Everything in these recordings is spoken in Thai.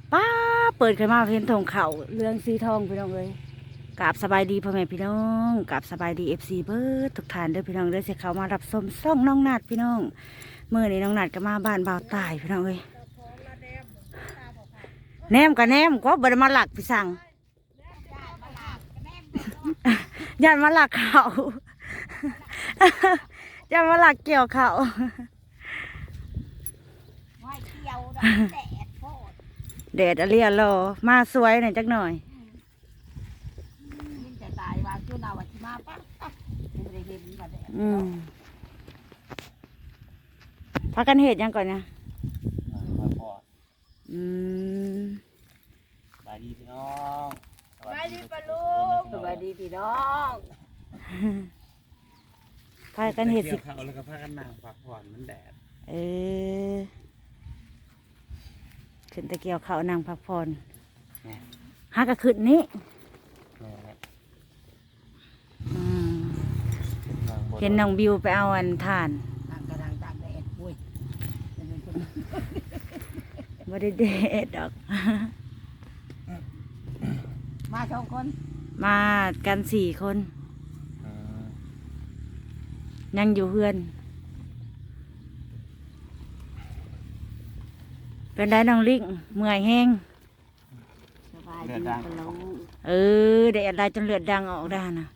ป้าเปิดขึ้นมาเห็นธงเขาเรืองสีทองพี่น้องเลยกราบสบายดีพ่อแม่พี่น้องกราบสบายดีFCเบิร์ดทุกท่านเด้อพี่น้องเด้อเสียเขามารับชมซ่องน้องนัดพี่น้องเมื่อนี้น้องนัดก็มาบ้านบ่าวตายพี่น้องเลยแนมกับแนมก็บไดมาหลักพี่สั่งยันมาหลักเขายันมาหลักเกี่ยวเขาแดดอะไรอะรอมาสวยหน่อยจักหน่อยพากันเหตุยังก่อนนะสบายดีพี่น้องสบายดีปะลุงสบายดีพี่น้องพากันเหตุสิเขาแล้วก็พากันนั่งพักผ่อนมันแดดขึ้นตะเกียวเขานางพักผ่อนหากระขึ้นนี้เห็นน้องบิวไปเอาอันทานกำลังตากแดดปุ้ยไม่ได้เด็ดดอกมาสองคนมากัน4 คนยังอยู่เพื่อนเป็นได้น้องลิงเมื่อยแห้งสบายดีปะลุงแดดอะไรจนเลือดดังออกได้นะ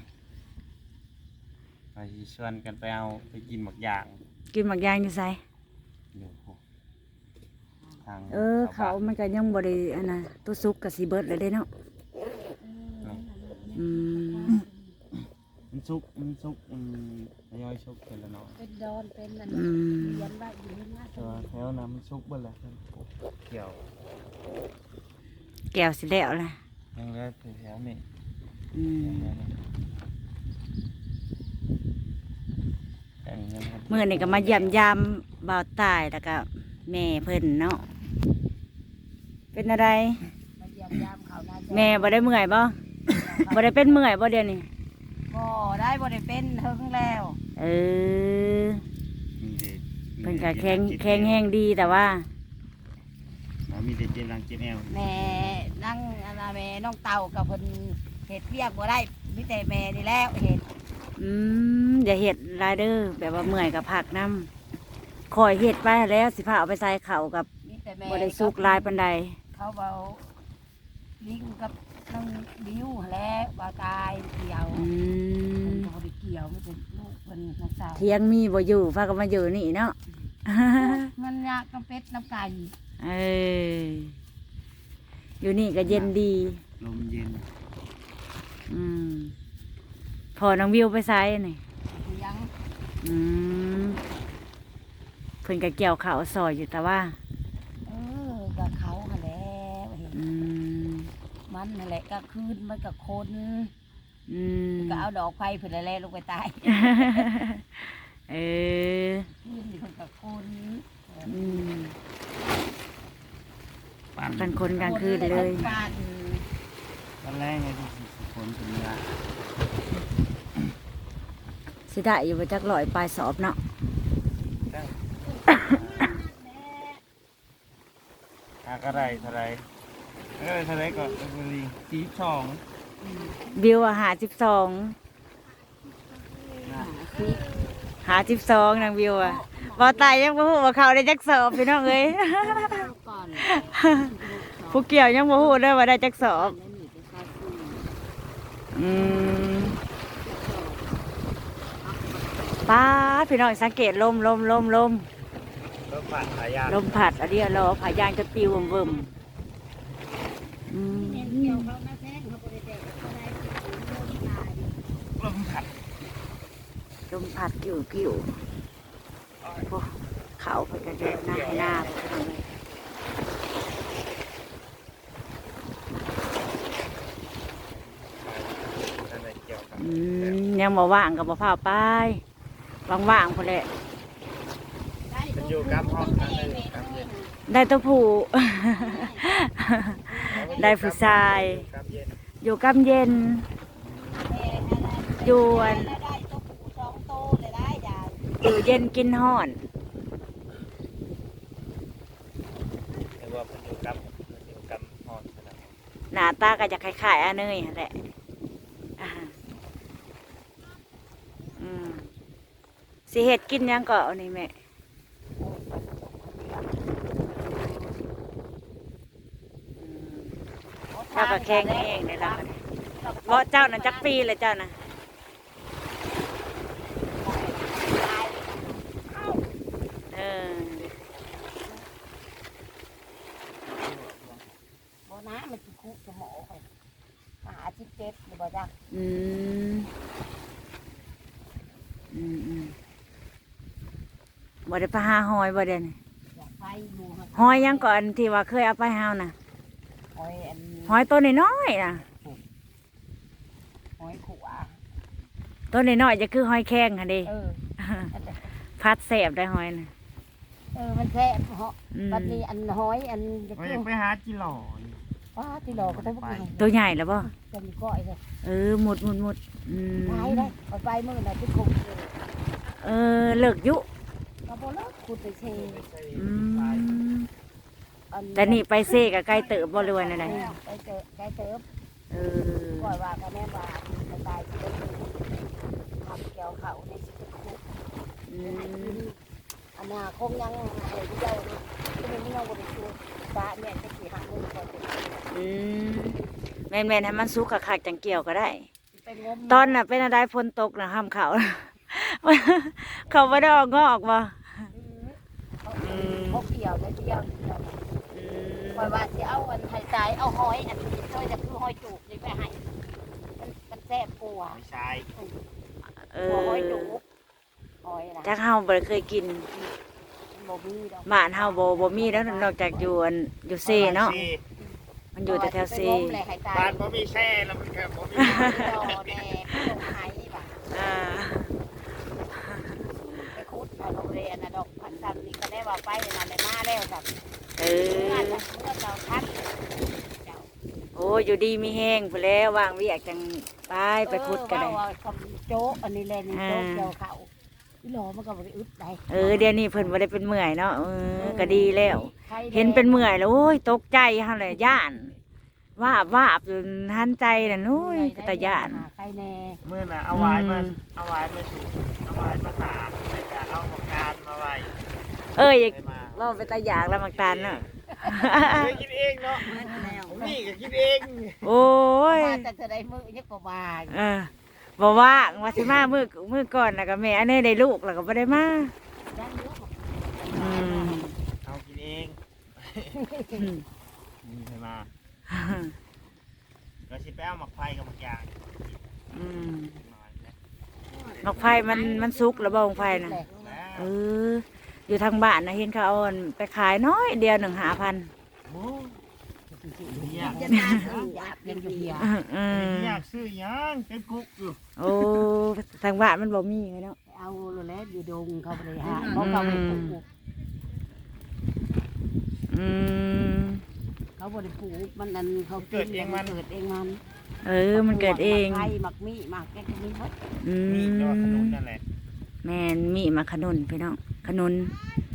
ไปชวนกันไปเอาไปกินหมักยางกินหมักยางอยู่ไสอยู่ทางเขามันก็ยังบริอันน่ะตัวซุกกับสีเบิร์ดเลยได้เนาะมันซุกมันย่อยซุกเป็นละเนาะเป็นดอนเป็นนั่นเลี้ยงได้อยู่นี่นะตัวแถวนั้นมันซุกเบิ่แหละเกี่ยวแก้วสิแล้วล่ะยังเหลือแถวนี้เมื่อนี่ก็มาเยี่ยมยามบ่าวตายแล้วก็แม่เพิ่นเนาะเป็นอะไรแม่บ่ได้เมื่อยบ่บ่ได้เป็นเมื่อยบ่เดี๋ยวนี้บ่ได้บ่ได้เป็นเฮิงแล้วเพิ่นก็แข็งแห้งดีแต่ว่ามีแต่เจ็บหลังเจ็บแอวแม่นั่งแม่น้องเต่ากับเพิ่นเฮ็ดเรียกบ่ได้มีแต่แม่นี่แล้วเฮ็ดอย่าเห็ดรายเดอร์แบบว่าเมื่อยกับผักน้ำคอยเห็ดไปแล้วสิพาเอาไปใส่เข่ากับบริสุกลายปันใดเขาเบาลิงกับน้องบิ้วแล้วบาตายเกี่ยวเขาไปเกี่ยวไม่เป็นลูกเป็นน้องสาวเที่ยงมีบ่อยู่พากันมาอยู่นี่เนาะมันยากกับเป็ดน้ำไก่อยู่นี่ก็เย็นดีลมเย็นพอน้องวิวไปไซนี่ยังเพิ่นก็เกี่ยวเขาซอยอยู่แต่ว่ากับเขาแล้วมันนั่นแหละก็คืนมันกับคนก็เอาดอกไฟเผื่อแล่ลงไปตายคืนคนกับคนกันคนกลางคืนเลยตอนแรกไงที่คนเป็นเนื้อสิได้อยู่ไปจักลอยปลายสอบเนาะก็ได้เท่าไรก็เป็น42 บิวหา12นางบิวบ่ตายยังบ่ฮู้ว่าเขาได้จักสอบพี่น้องเอ้ยผู้เกี่ยวยังบ่ฮู้เด้อว่าได้จักสอบป้าพี่น้องสังเกตลมผัดอันนี้เราผายางจะปิวเบิ่มลมผัดกิ่วเขาไปกันเยอะหน้ายังบ่ว่างกับบ่พาไปว่างๆพอแหละอยู่กับห้องได้ตัวผู้ ได้ผู้ชายอยู่กำเย็นอยู่เย็นกินห่อนแต่ว่าเป็นอยู่กับหน้าตาก็จะคล้ายๆอาเนยนั่นแหละอ่าอืมสิเฮ็ดกินหยังก็เอานี่แม่เจ้าก็แข็งเองเลยล่ะเพราะเจ้าน่ะจักปีเลยเจ้าน่ะเออบ่นะมันสิคุสมองไป17หรือบ่จักอืมบ่ได้ไปหาหอยบ่เด่นอยากไปอยู่หอยยังก่อนที่ว่าเคยเอาไปเฮาน่ะหอยอันหอยตัวน้อยๆน่ะหอยขัวตัวน้อยๆจะคือหอยแข้งค่ะเดิ พัดแสบได้หอยน่ะมันแซ่บเหาะอืมบัดนี้อันหอยอันจะว่าคือยาอกไปหาจิหล่อว่าที่หลอกก็ต้องไปตัวใหญ่แล้วบ่จะมีก้อยเลยหมุดอืมไปได้เอาไปมื้อน่ะที่คุกอยู่เลิกยุก็บ่เลิกขุดไปเชอืมอันแต่นี่ไปเซกับไก่เติบบ่รวยนั่นแหละไปเจอไปเติบเออก้อยว่าก็แม่ว่าไปตายที่ได้ทำเกี่ยวเขาในสิบคุกอืมอันน่ะคงยังเลยที่เจ้านี่ที่มันยังบ่ได้ชูตาเนี่ยจะสิหามื้อก่อนจะอืมแม่นๆให้มันสุกคักๆจังเกี่ยวก็ได้ไปงมตอนน่ะเป็นอะไรฝนตกนะห้ามเขา เขาไม่ได้ออกงอกบ่เขาเกี่ยวเลยเดียวคอยว่าสิเอาอันไทยใจเอาหอยอันนี้ช่วยจะคือหอยจูบนี่ไปให้มันแซ่บกว่าไม่ใช่หอยจูบหอยนะจักเฮาบ่ได้เคยกินบ่มีดอกบ้านเฮาบ่มีแล้วนอกจากอยู่เซเนาะมันอยู่แต่แถวเซไปงมเลยไข่ตายบ้านบ่มีแช่แล้วมันก็บ่มีดอแน่ลงไห้บ่ะอ่าไปคุดเอาโรงเรียนนะดอกพันธุ์นี่ก็ได้ว่าไปนานเลยมาแล้วแบบเอเมื่ออเจ้าทัดเจ้าโอ้อยู่ดีมีแห้งพุ่นแล้วว่างเวียกจังไปพุดก็ได้ว่าคำโจ๊กอันนี้เลยนี่โจ๊กเกี่ยวเขาอีหลอมันก็บ่ได้อึดได้เดี๋ยวนี้เพิ่นบ่ได้เป็นเมื่อยเนาะก็ดีแล้ว เห็นเป็นเมื่อยแล้วโอ้ยตกใจเฮาเลยย่านวาบจนหันใจน่ะนุ้ยก็ตะย่านใครแน่เมื่อน่ะเอาไว้มาสูบเอาไว้มาตากแล้วก็เอาหมกการมาไว้อย่าไปมาว่าไปตะอยากแล้วมักตาลเนาะเคยกินเองเนาะผมนี่ก็กินเองโอ้ยมาแต่จะได้มือยังก็มาบอกว่างว่าสิมามือก่อนแล้วก็แม่อันนี้ได้ลูกแล้วก็บ่ได้มาได้เยอะอืมเอากินเองนี่ไปมาเราสิไปเอาหมักไฟกับหมักยางอืมมาแล้วนกไฟมันสุกแล้วบ่ของไฟน่ะอยู่ทางบ้านนะเห็นเขาเอาอันไปขายน้อยเดียว1,500 โอ้ยอยากจะน่าซื้อยังอยู่เดียวอยากซื้อหยังเป็นกุ๊กอยู่โอ้ทางบ้านมันบ่มีไงเนาะเอาแล้วอยู่ดงเขาไปหาเขาไปปลูกอืมเขาบริปลูกมันนั่นเขาเกิดเองมันมันเกิดเองไข่หมักมีหมักแกงมีหมดอืมีก็ขนมมนั่นแหละแม่นมีมาขนุนพี่น้องขนุน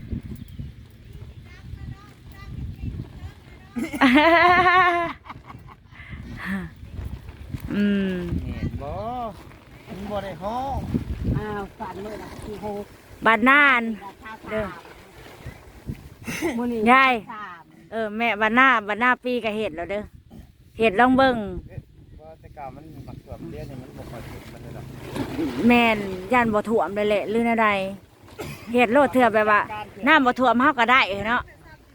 อืมเห็นบ่มันบ่ได้ห้องฝันเลยนะที่โฮบานนานเด้อมื้อนี้ยายสามแม่บานหน้าปีก็เห็ดแล้วเด้อเห็ดลองเบิ่งว่าแต่ก่ามันปักตัวเลี้ยงเนี่ยมันบ่ค่อยติดมันเลยหรอกแม่นย่านบ่ท่วมเลยแหละหรือแนวใดเห็ดโลดเถื่อแบบว่าน้ำบ่ท่วมเฮาก็ได้เนาะ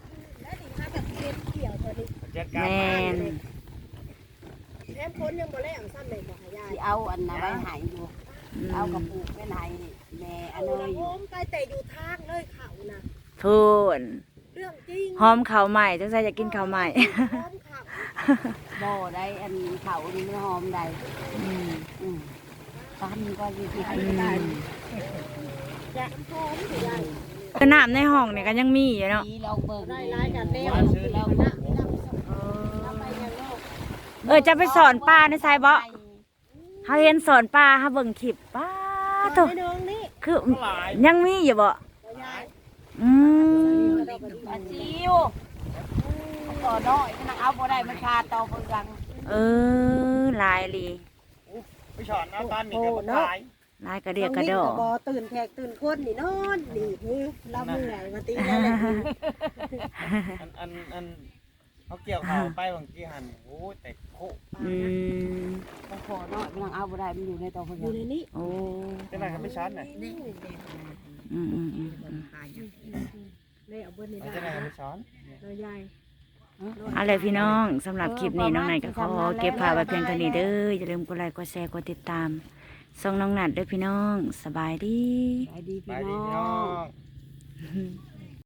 จัดการแม่นแถมคนยังบ่แลงซ้ำเลยบอกให้ยายที่เอาอันนั้นไว้ใหายอยู่ เอากระปุกไว้ใหายแม่อันเนยอโฮยู่มไปแต่อยู่ทางเลยเขานะพูนเรื่องจริงหอมข้าวใหม่จังไสจะกินข้าวใหม่หอมเขาบ่ได้อันเขานี่ไม่หอมใดอืมปันก็อยู่ที่ให้อืได้มอย่าหอมสิยายก็น้ำในห้องนี่ก็ยังมีอยู่เนาะลองเบิ่งได้รายกันแนวเรานะเอาไปยังโลกจะไปสอนป้าในไซบ่เฮาเห็นสอนป้าเฮาเบิ่งคลิปป้าโตไม่น้องนี่คือยังมีอยู่บ่ยายอืมปลาซิวปบ่อน้อยมันเอาบ่ได้มันคาต่อเบิ่งรังเออลายลีไปฉอนเอาตอนนี้ก็บ่ตายลายกระเดียกกระดอบ่ตื่นแขกตื่นคนนี่นอนนี่เราเมื่อยมาตีแล้วแหละอันเขาเกี่ยวเขาไปบางทีหันโอ้ยแต่โคอืมมันบ่อน้อยมันเอาบ่ได้มันอยู่ในต่อเบิ่งอยู่ในนี้โอ้จะไหนก็ไม่ช้อนน่ะนี่อืมอืมอืมเลยเอาเบิ้ลนี่จะไหนได้ก็ไม่ช้อนเรายายอะไรพี่น้องสำหรับคลิปนี้น้องนายก็ขอเก็บภาพไว้เพียงเท่านี้เด้ออย่าลืมกดไลค์กดแชร์กดติดตามส่องน้องนัดเด้อพี่น้องสบายดีไปดีไปพี่ดีน้พี่อน้อง ง